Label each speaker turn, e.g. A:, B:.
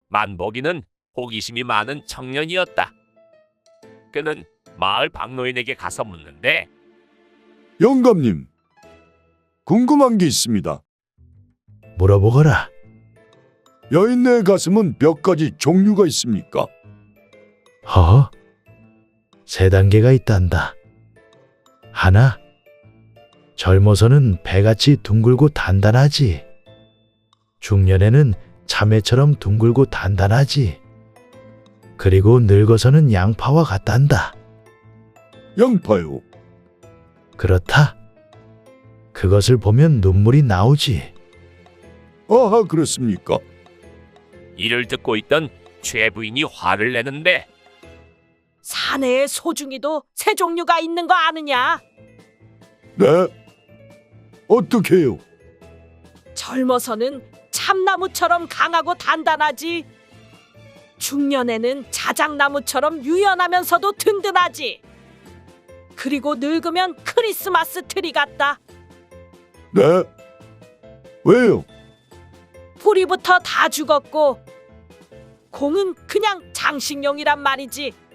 A: 만복이는 호기심이 많은 청년이었다. 그는 마을 박노인에게 가서 묻는데
B: 영감님, 궁금한 게 있습니다.
C: 물어보거라.
B: 여인네 가슴은 몇 가지 종류가 있습니까?
C: 허? 세 단계가 있단다. 하나, 젊어서는 배같이 둥글고 단단하지. 중년에는 참외처럼 둥글고 단단하지. 그리고 늙어서는 양파와 같단다.
B: 양파요.
C: 그렇다. 그것을 보면 눈물이 나오지.
B: 아하, 그렇습니까?
A: 이를 듣고 있던 최 부인이 화를 내는데
D: 사내의 소중이도 세 종류가 있는 거 아느냐?
B: 네? 어떻게 해요?
D: 젊어서는 참나무처럼 강하고 단단하지. 중년에는 자작나무처럼 유연하면서도 든든하지. 그리고 늙으면 크리스마스 트리 같다.
B: 네? 왜요?
D: 뿌리부터 다 죽었고 공은 그냥 장식용이란 말이지.